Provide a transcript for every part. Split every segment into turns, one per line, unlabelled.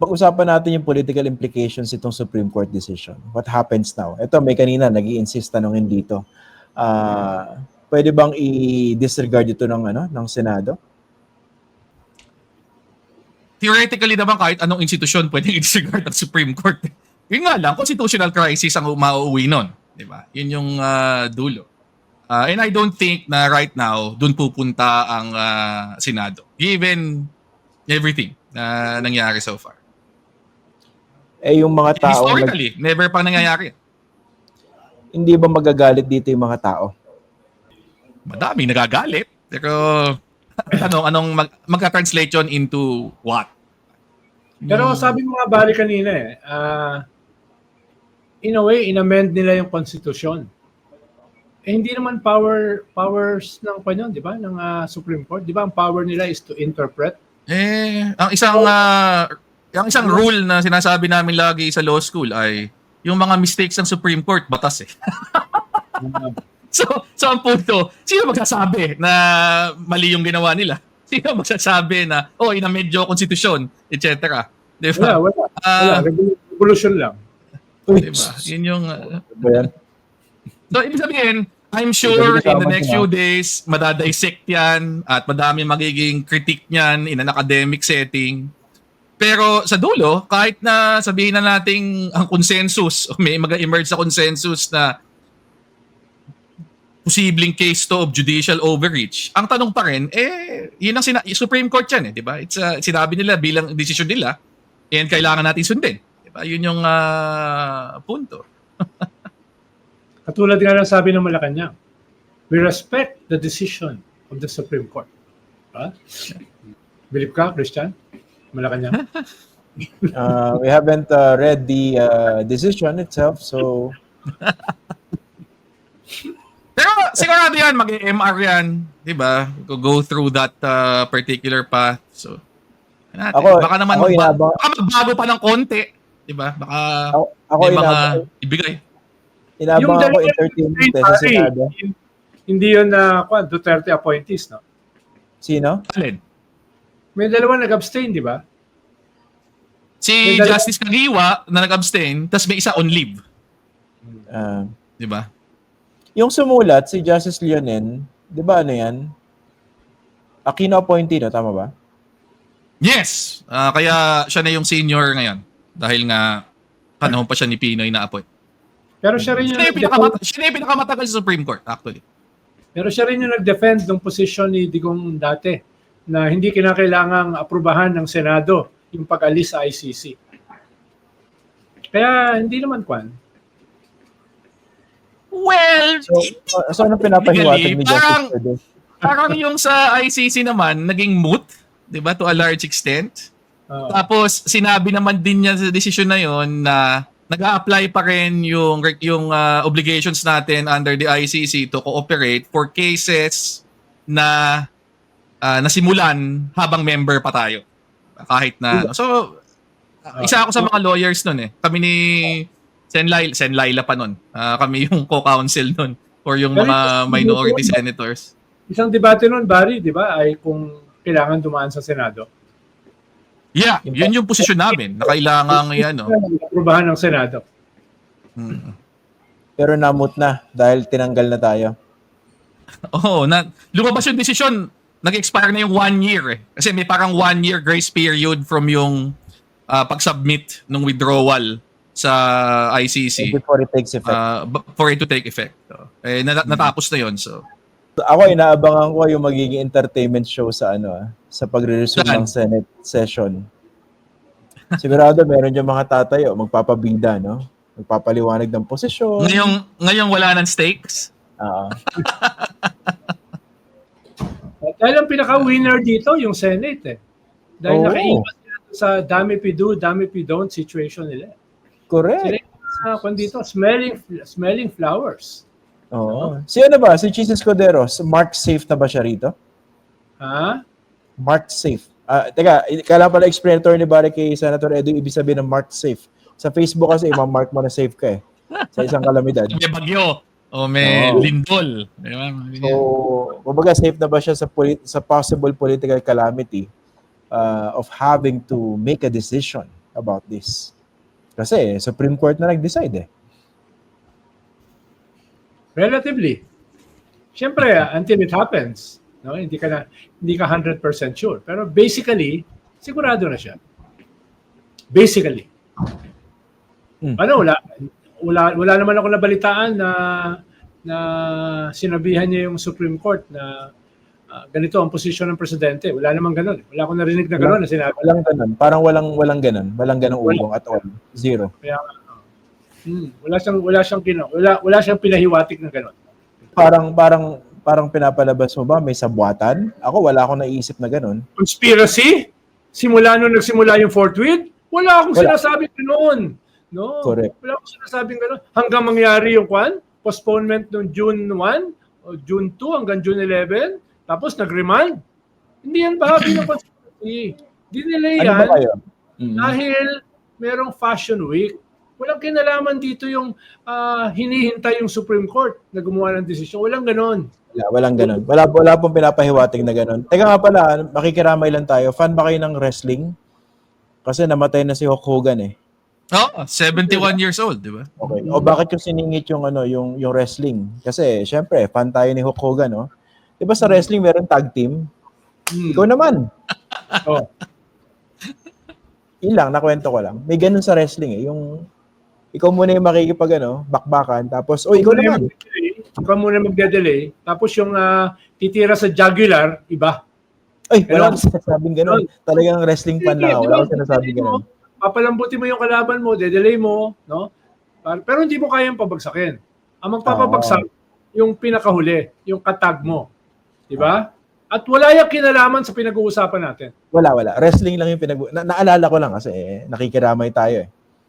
pag-usapan natin yung political implications itong Supreme Court decision. What happens now? Ito, may kanina nag-i-insist tanongin dito. Pwede bang i-disregard ito ng Senado?
Theoretically naman, kahit anong institusyon pwedeng i-disregard ng Supreme Court. Yun nga lang, constitutional crisis ang mauuwi nun. Diba? Yun yung dulo. And I don't think na right now, dun pupunta ang Senado. Given everything na nangyari so far.
Yung mga tao...
Historically, never pa nangyayari.
Hindi ba magagalit dito yung mga tao?
Madami nagagalit. Pero anong magka-translate yun into what?
Pero sabi mo nga bali kanina in a way, in-amend nila yung konstitusyon. Hindi naman powers ng di ba? Ng Supreme Court. Di ba ang power nila is to interpret?
Ang isang rule na sinasabi namin lagi sa law school ay yung mga mistakes ng Supreme Court, batas eh. So ang punto, sino magsasabi na mali yung ginawa nila? Sino magsasabi na, inamedyo konstitusyon, etc. Diba?
Wala. Revolution lang.
Diba? Yun yung... So, ibig sabihin, I'm sure in the next few days, madadissect yan at madami magiging critique niyan in an academic setting. Pero sa dulo, kahit na sabihin na nating ang consensus, may mag-emerge sa consensus na posibleng case to of judicial overreach. Ang tanong pa rin, yun ang Supreme Court yan, di ba? It's sinabi nila bilang decision nila, and kailangan natin sundin. Di ba? Yun yung punto.
Katulad nga ng sabi ng Malacanang, we respect the decision of the Supreme Court. Believe ka, Christian? Malacanang?
We haven't read the decision itself, so...
Pero sigurado yan, mag-MR yan, di ba? Go through that particular path. So, baka naman magbago pa ng konti, di ba? Baka may mga ibigay.
Inabang ako entertainment sa Senado.
Hindi yun Duterte appointees, no?
Sino?
Alin?
May dalawa nag-abstain, di ba?
Si Justice Kagiwa na nag-abstain, tapos may isa on leave. Di ba?
Yung sumulat, si Justice Leonen, di ba yan? Aquino appointee, no? Tama ba?
Yes! Kaya siya na yung senior ngayon. Dahil nga, panahon pa siya ni Pinoy na appoint.
Pero siya rin
siya yung pinakamatagal sa Supreme Court, actually.
Pero siya rin yung nag-defend ng posisyon ni Digong dati na hindi kinakailangang aprubahan ng Senado yung pag-alis sa ICC. Kaya hindi naman
Well,
so anong pinapahiwatig ni Justice?
Parang yung sa ICC naman, naging moot, di ba, to a large extent. Tapos, sinabi naman din niya sa desisyon na yon na nag-a-apply pa rin yung obligations natin under the ICC to cooperate for cases na nasimulan habang member pa tayo. Kahit na... So, isa ako sa mga lawyers nun eh. Kami ni... Sen Laila pa nun. Kami yung co-counsel nun for yung mga minority senators.
Isang debate nun, Barry, di ba, ay kung kailangan dumaan sa Senado.
Yeah, yun yung posisyon namin. Na kailangan
aprubahan ng Senado.
Pero namut na dahil tinanggal na tayo.
Lumabas yung desisyon. Nag-expire na yung 1 year eh. Kasi may parang 1 year grace period from yung pag-submit ng withdrawal sa ICC
before it takes effect.
For it to take effect. Natapos na yon. So
ako inaabangan ko yung magiging entertainment show sa sa pagre-resume ng Senate session. Sigurado meron yung mga tatayo, magpapabida, no? Magpapaliwanag ng posisyon.
Ngayong wala ng stakes.
Dahil ang pinaka-winner dito yung Senate eh. Dahil nakaiwas sila sa dami pi don't situation nila.
Correct.
Sila dito, smelling flowers.
Si ba? Si Jesus Escudero, mark safe na ba siya rito? Mark safe. Teka, kailangan pala explainator ni Barry kay Senator Edu, ibig sabihin ng mark safe. Sa Facebook kasi, mark mo na safe ka eh. Sa isang kalamidad.
May bagyo. May lindol.
So, kumbaga safe na ba siya sa possible political calamity of having to make a decision about this. Kasi Supreme Court na nag-decide eh.
Relatively. Siyempre, until it happens, no, hindi ka 100% sure. Pero basically, sigurado na siya. Basically. Ano, wala naman ako nabalitaan na sinabihan niya yung Supreme Court na ganito ang posisyon ng presidente. Wala namang ganun. Wala akong narinig na ganun na sinabi.
Walang ganun. Parang walang ganun. Walang ganung ugong at all. Zero.
Kaya, wala siyang pinahiwatig na ganun.
Parang pinapalabas mo ba may sabwatan? Ako wala akong naisip na ganun.
Conspiracy? Simula nung nagsimula yung Fort Worth? Wala akong sinasabing gano'n. No.
Correct.
Wala akong sinasabing gano'n. Hanggang mangyari yung postponement noong June 1 o June 2 hanggang June 11, tapos nag-remand. Hindi yan bahagi ng conspiracy. Dinelay yan
Ano ba kayo?
dahil merong Fashion Week. Walang kinalaman dito yung hinihintay yung Supreme Court na gumawa ng desisyon. Walang ganon.
Walang ganun. Wala pong pinapahiwatig na ganun. Teka nga pala, makikiramay lang tayo. Fan ba kayo ng wrestling? Kasi namatay na si Hulk Hogan eh.
Oh, 71 years old, di ba?
Okay. O bakit yung siningit yung yung wrestling? Kasi syempre, fan tayo ni Hulk Hogan, no? 'Di ba sa wrestling meron tag team? Ikaw naman.
Oh.
Ilang nakwento ko lang. May ganun sa wrestling eh, yung ikaw muna yung makikipag bakbakan tapos ikaw naman.
Ikaw muna magde-delay. Tapos yung titira sa jugular, iba.
Ay, wala akong sinasabing ganun. Talagang wrestling fan lang ako. Wala akong sinasabing ganun.
Papalambutin mo yung kalaban mo, de-delay mo, no? Pero hindi mo kayang pabagsakin. Ang magpapabagsak, yung pinakahuli, yung katag mo. Di ba? At wala yung kinalaman sa pinag-uusapan natin.
Wala. Wrestling lang yung naalala ko lang kasi nakikiramay tayo eh.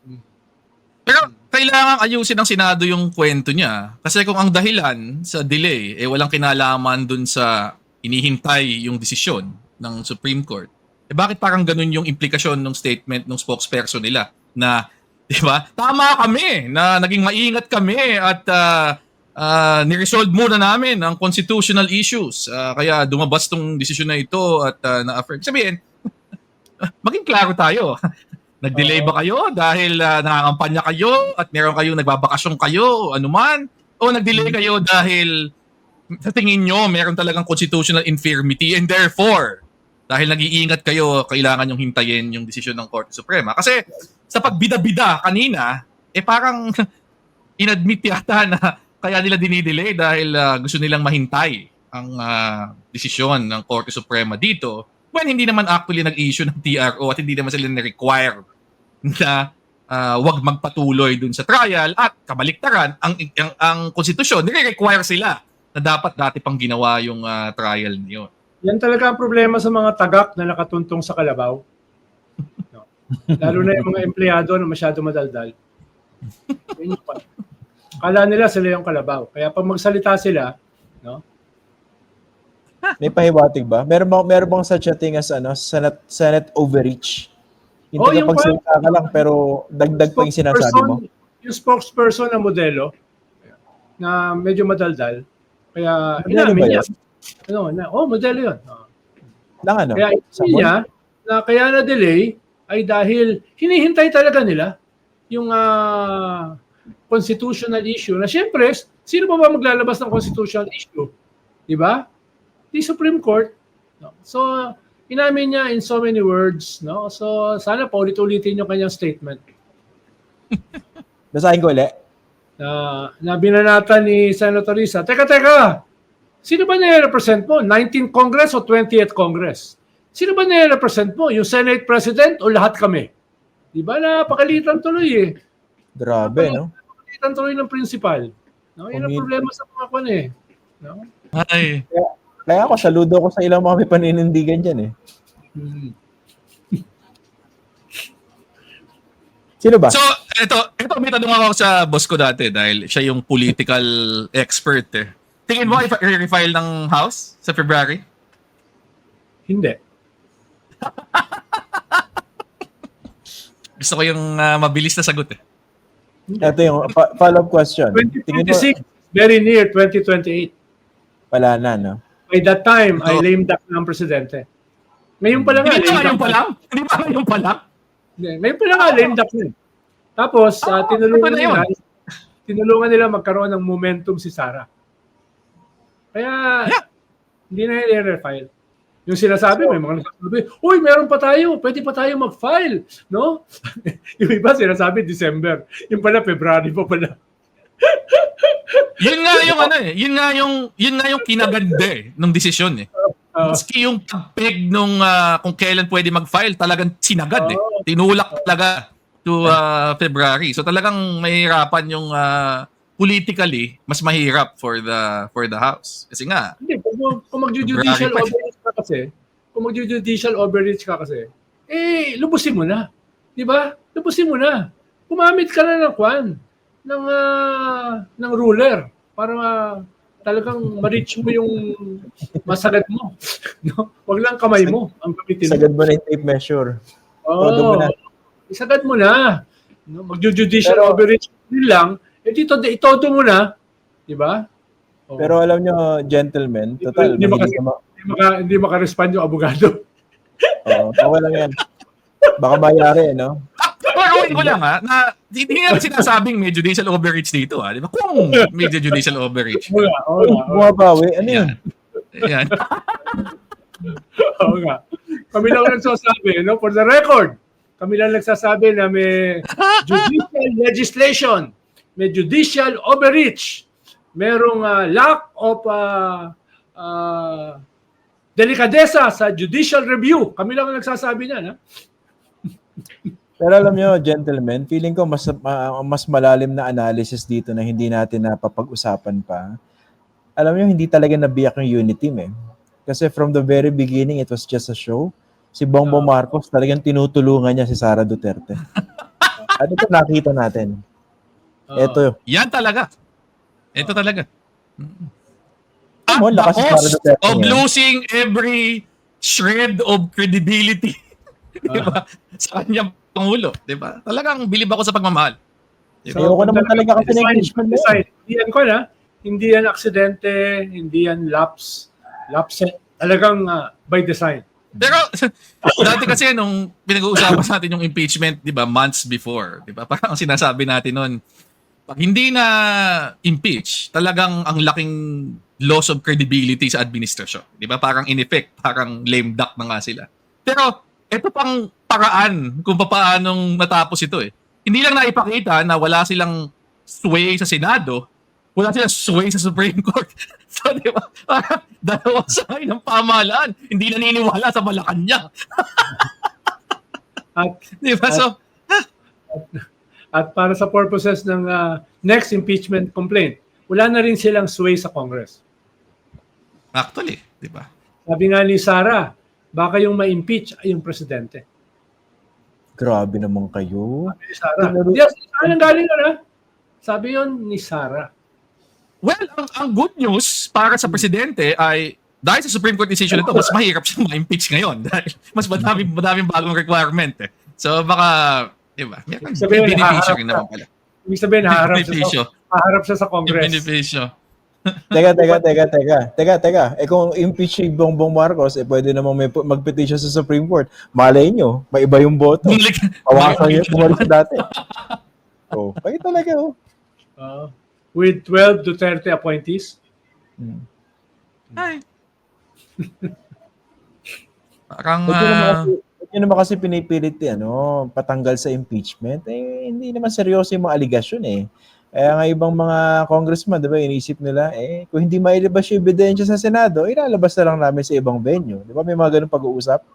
Pero kailangan ayusin ng Senado yung kwento niya. Kasi kung ang dahilan sa delay, walang kinalaman dun sa inihintay yung desisyon ng Supreme Court, bakit parang ganun yung implikasyon ng statement ng spokesperson nila na, di ba, tama kami na naging maingat kami at niresolve muna namin ang constitutional issues. Kaya dumabas tong desisyon na ito at na-affirm. Sabihin, maging klaro tayo. Nag-delay ba kayo dahil nangangampanya kayo at meron kayong nagbabakasyon kayo, anuman? O nag-delay kayo dahil sa tingin nyo meron talagang constitutional infirmity and therefore, dahil nag-iingat kayo, kailangan yung hintayin yung desisyon ng Korte Suprema. Kasi sa pagbida-bida kanina, parang inadmit yata na kaya nila dinidelay dahil gusto nilang mahintay ang desisyon ng Korte Suprema dito when hindi naman actually nag-issue ng TRO at hindi naman sila na-require na wag magpatuloy dun sa trial at kabaliktaran, ang konstitusyon, nire-require sila na dapat dati pang ginawa yung trial niyo.
Yan talaga ang problema sa mga tagak na nakatuntong sa kalabaw. No. Lalo na yung mga empleyado na masyado madaldal. Yun yung kala nila sila yung kalabaw. Kaya pag magsalita sila, no?
May pahiwatig ba? Meron bang such a thing as Senate overreach? Hindi ka pagsalita ka lang pero dagdag pa yung sinasabi mo.
Yung spokesperson na modelo na medyo madaldal. Kaya inamin niya. Modelo yun. Kaya inamin niya na kaya na-delay ay dahil hinihintay talaga nila yung constitutional issue na siyempre, sino pa ba maglalabas ng constitutional issue? Di ba? The Supreme Court. No? So, inamin niya in so many words. No? So, sana paulit-ulitin yung kanyang statement.
Basahin ko ulit.
Na binanata ni Senator Risa, Teka! Sino ba nire-represent mo? 19th Congress o 20th Congress? Sino ba nire-represent mo? Yung Senate President o lahat kami? Di ba? Napakalitan tuloy eh.
Grabe, no?
Napakalitan tuloy ng principal. No? Yun ang problema sa mga kwan eh. No?
Ay.
Kaya ako, saludo ko sa ilang mga may paninindigan dyan eh. Sino ba?
So, ito may tanong ako sa boss ko dati dahil siya yung political expert eh. Tingin mo i-refile ng House sa February?
Hindi.
Gusto ko yung mabilis na sagot eh.
Ito yung follow-up question.
2026, very near 2028.
Wala na, no?
By that time, I lame duck ng presidente. Ngayon pa lang.
Hindi ba ngayon pa lang?
Ngayon pa na nga, lame duck na. Tapos,
ito na yun.
tinulungan nila magkaroon ng momentum si Sara. Kaya, hindi na i-refile. Yung sinasabi, may mga nagsasabi, uy, meron pa tayo, pwede pa tayo mag-file. No? Yung iba sinasabi, December. Yung pala, February pa pala.
Yun nga yung yun nga yung kinaganda nung desisyon eh. Maski yung peg nung kung kailan pwede mag-file, talagang sinagad eh. Tinulak talaga to February. So talagang mahirapan yung politically, mas mahirap for the House. Kasi nga,
Hindi, kung mag-judicial overreach ka kasi, lubusin mo na. Di ba? Lubusin mo na. Kumamit ka na ng kwan, ng ruler para talagang ma-reach mo yung masagad mo. No? Wag lang kamay mo ang gamitin mo.
Sagad mo na yung tape measure. Todo mo na.
Isagad mo na. No? Mag-judicial overreach din lang, itodo mo na. Di ba? Oh.
Pero alam nyo, gentlemen, total,
hindi maka-respond yung abogado.
Okay lang yan. Baka mayari, no?
pero ko lang na hindi nga sinasabing may judicial overreach dito di ba? Kung may judicial overreach.
Bumabawi, ano yun?
Yan.
Oo nga. Kami lang nagsasabi, no? For the record, kami lang nagsasabi na may judicial legislation, may judicial overreach, merong lack of delikadesa sa judicial review. Kami lang nagsasabi niyan, ha?
Pero alam nyo, gentlemen, feeling ko mas malalim na analysis dito na hindi natin napapag-usapan pa. Alam nyo, hindi talaga nabiyak yung unity team eh. Kasi from the very beginning, it was just a show. Si Bongbong Marcos talagang tinutulungan niya si Sara Duterte. At ito nakita natin. Ito.
Yan talaga. Ito talaga. At
Lakas
the
si Sara
cost
Duterte
of
niya.
losing every shred of credibility. Diba? Sa kanyang Pangulo. Diba? Talagang bilib ako sa pagmamahal. Diba?
Ayoko naman talaga kasi ng impeachment mo.
Hindi yan hindi yan aksidente, hindi yan lapse. Talagang by design.
Pero dati kasi nung pinag-uusapan natin yung impeachment, 'di ba, months before, 'di ba? Parang sinasabi natin noon, pag hindi na impeach, talagang ang laking loss of credibility sa administrasyon, 'di ba? Parang in effect, parang lame duck na nga sila. Pero ito pang paraan kung paanong natapos ito eh. Hindi lang naipakita na wala silang sway sa Senado, wala silang sway sa Supreme Court. So, di ba? Parang dalawa side ng pamahalaan. Hindi naniniwala sa Malacanang. Di ba? So,
at para sa purposes ng next impeachment complaint, wala na rin silang sway sa Congress.
actually, di ba?
Sabi nga ni Sara, baka yung ma-impeach ay yung presidente.
Grabe naman kayo.
Sabi ni Sara. Yes, saan ang galing na? Sabi yun ni Sara.
Well, ang good news para sa presidente ay dahil sa Supreme Court decision ito, mas mahirap siyang ma-impeach ngayon dahil mas madaming bagong requirement eh. So baka, di ba? May beneficio rin naman pala.
Ibig sabihin, haharap siya sa Congress.
Yung beneficio.
Teka. Kung impeach si Bongbong Marcos, pwede namang mag-petition sa Supreme Court. Malay nyo, may iba yung boto. Pawasan nyo, bumalik sa dati. Pwede talaga,
with 12 to 30 appointees.
Ay. Parang
Yun naman kasi pinipilit patanggal sa impeachment. Hindi naman seryoso yung mga aligasyon eh. Kaya nga ibang mga congressman, di ba, inisip nila, kung hindi mailabas yung ebidensya sa Senado, ilalabas na lang namin sa ibang venue. Di ba, may mga ganun pag-uusap?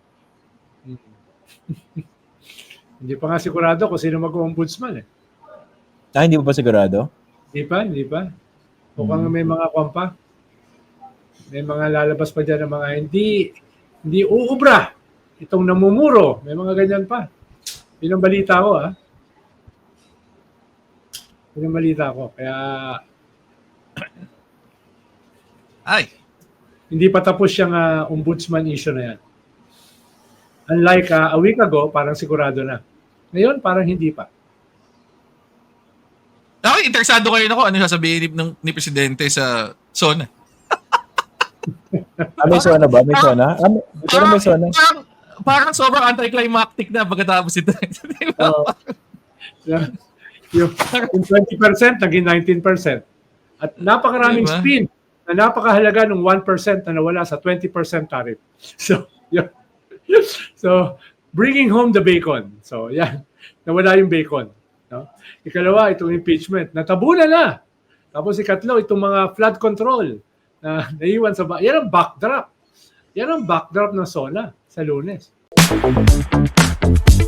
Hindi pa nga sigurado kung sino mag-ombudsman eh.
Hindi pa sigurado?
Hindi pa. Mukhang may mga kwampa. May mga lalabas pa dyan ng mga hindi uubra. Itong namumuro. May mga ganyan pa. Yun ang balita ko, Yun ang balita ko. Kaya hindi pa tapos yung ombudsman issue na yan. Unlike a week ago, parang sigurado na. Ngayon, parang hindi pa.
Ako, interesado kayo na kung ano sasabihin ni Presidente sa SONA.
May SONA ba? May SONA? May SONA?
parang sobrang anticlimactic na pagkatapos ito. Di ba?
Yung 20% naging 19%. At napakaraming
Diba?
spin na napakahalaga ng 1% na nawala sa 20% tariff. So, yun. So, bringing home the bacon. So, yan. Nawala yung bacon. No? Ikalawa, itong impeachment. Natabunan na. Tapos ikatlo, itong mga flood control na naiwan sa yan ang backdrop. Yan ang backdrop ng SONA sa Lunes.